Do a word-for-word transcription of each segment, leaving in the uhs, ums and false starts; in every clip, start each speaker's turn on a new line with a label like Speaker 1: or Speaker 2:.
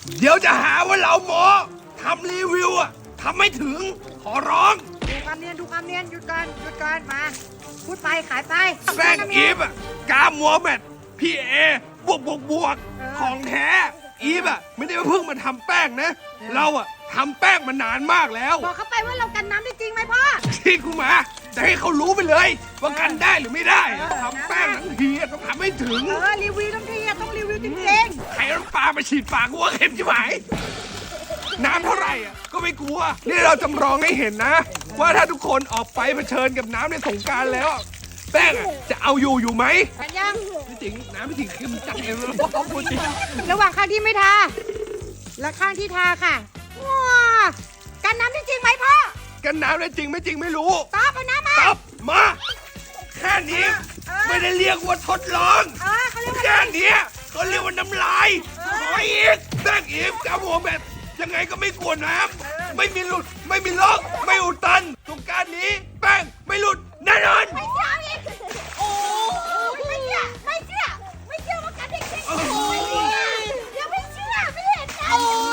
Speaker 1: เดี๋ยวจะหาว่าเราหมอทำรีวิวอะทำไม่ถึงขอร้อง
Speaker 2: ดูความเนียนดูความเนียนหยุดก่อนหยุดก่อนมาพูดไปขายไป
Speaker 1: แป้งอีฟอะกามัวแมทพี่เอบวกบวกบวกของแท้อีฟอะไม่ได้มาเพิ่งมาทำแป้งนะ เราอะทำแป้งมานานมากแล้ว
Speaker 2: บอกเขาไปว่าเรากันน้ำได้จริงไหมพ่อ
Speaker 1: ที่กูมาจะให้เขารู้ไปเลยว่ากันได้หรือไม่ได้
Speaker 2: เออ
Speaker 1: ทำแป้งทั้งทีอะต้องทำให้ถึง
Speaker 2: เออรีวิวทั้งทีอะต้องรีวิวจริง
Speaker 1: ใครน้ำปลามาฉีดปากกูว่าเค็มชิบหายน้ำเท่าไหร่อ่ะก็ไม่กลัว นี่เราจำลองให้เห็นนะ ว่าถ้าทุกคนออกไปเผชิญกับน้ำในสงกรารแล้ว แป้งอะจะเอาอยู่อยู่ไหม
Speaker 2: ๆกันยัง
Speaker 1: ไม่จริงน้ำไม่จริงเค็มจัดเองเลยพ่อพูดจริง
Speaker 2: ระหว่างข้างที่ไม่ทาและข้างที่ทาค่ะว้ากันน้ำได้จริงไหมพ่อ
Speaker 1: กันน้ำได้จริงไม่จริงไม่รู้
Speaker 2: ตอบเอาน้ำมา
Speaker 1: ตับมาแค่นี้
Speaker 2: เออ
Speaker 1: ไม่ได้เรียกว่าทดลอง
Speaker 2: เออเขาเรียกว่า
Speaker 1: แค่เนี้ยเขาเรียกว่าน้ำลาย
Speaker 2: เออ
Speaker 1: ขออีกแป้งอีกกับหัวแบบยังไงก็ไม่กลัวน้ำไม่มีหลุดไม่มีล็อกไม่อุดตันสงกรารนี้ แป้งไม่หลุดแน่นอน
Speaker 2: ไม่เชื่ออีกโอ้ยไม่เชื่อไม่เชื่อไม่เชื่อว่ากันได้จริง
Speaker 1: โอ้ย
Speaker 2: เดี๋ยวไม่เชื่อไม่เห็นกัน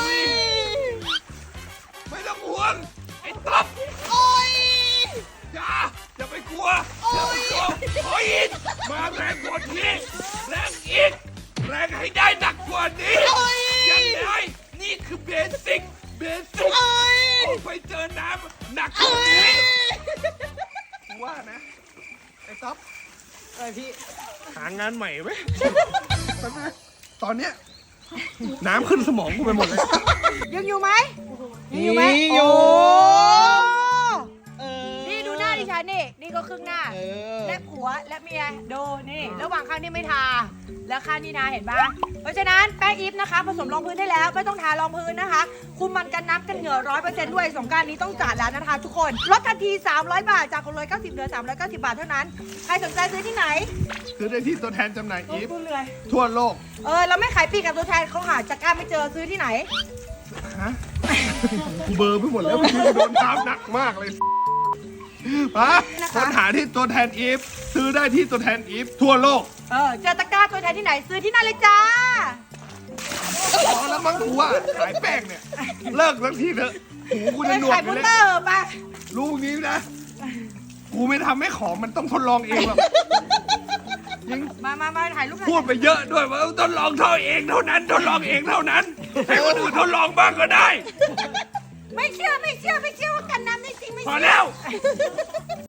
Speaker 1: ไม่ต้องห่วงไอ้ต๊อบ
Speaker 2: โอ้ย
Speaker 1: อย่าอย่าไปกลัวอย่าไปกลัวขออีกมาแรงกว่านี้แรงอีกแรงให้ได้หนักกว่านี้ยังไงนี่คือเบสิกเบสิกออกไปเจอน้ำหนักกว่านี้ว่านะไอ้ต๊อบ
Speaker 2: เออพี่
Speaker 1: หางานใหม่ไหมตอนเนี้ยน้ำขึ้นสมองกูไปหมดเลย
Speaker 2: ยังอยู่ไหมยังอยู่ไหม
Speaker 3: อยู่
Speaker 2: โอ้นี่ดูหน้าดิฉันนี่นี่ก็ครึ่งหน้า
Speaker 3: เออ
Speaker 2: และผัวและเมียดูนี่ ระหว่างข้างนี่ไม่ทา แล้วข้างนี่นาเห็นปะเพราะฉะนั้นแป้งอีฟนะคะ ผสมรองพื้นได้แล้วไม่ต้องทารองพื้นนะคะ คุมมันกันน้ำกันเหงื่อร้อยเปอร์เซ็นต์ด้วยสงกรารนี้ต้องจัดแล้วนะคะทุกคนลดทันทีสามร้อยบาทจากหกร้อยเก้าสิบเหลือสามร้อยเก้าสิบบาทเท่านั้นใครสนใจซื้อที่ไหน
Speaker 1: ซื้อได้ที่ตัวแทนจำหน่ายอีฟ
Speaker 2: พูดเลย
Speaker 1: ทั่วโลก
Speaker 2: เออเราไม่ขายปลีกกับตัวแทนเขาหาจากการไม่เจอซื้อที่ไหน
Speaker 1: ฮะกูเบลอร์ไปหมดแล้วกูโดนตามหนักมากเลยฮะ
Speaker 2: นะคะ
Speaker 1: ค้นหาที่ตัวแทนอีฟซื้อได้ที่ตัวแทนอีฟทั่วโลก
Speaker 2: เออเจอตะกร้าตัวแทนที่ไหนซื้อที่นั่นเลยจ้า
Speaker 1: พอแล้วมั้งกูว่าขายแป้งเนี่ย เลิกสักทีเถอะหูกู
Speaker 2: ไป
Speaker 1: จะหนวก
Speaker 2: ขาย
Speaker 1: อ
Speaker 2: บุ
Speaker 1: ยู่
Speaker 2: ตเต
Speaker 1: แล้
Speaker 2: อ
Speaker 1: ว
Speaker 2: ร์ไป
Speaker 1: รู้งี้นะ กูไม่ทำให้ของมันต้องทดลองเองหรอกยัง
Speaker 2: มามามาถ่ายรูปหน่อย
Speaker 1: พูดไปเยอะด้วยว่าทดลองเท่าเองเท่านั้นทดลองเองเท่านั้นให้คนอื่นทดลองบ้างก็ได้
Speaker 2: ไม่เชื่อไม่เชื่อไม่เชื่อว่ากันน้ำได้จริงไม่
Speaker 1: พอ
Speaker 2: เชื่
Speaker 1: แล้ว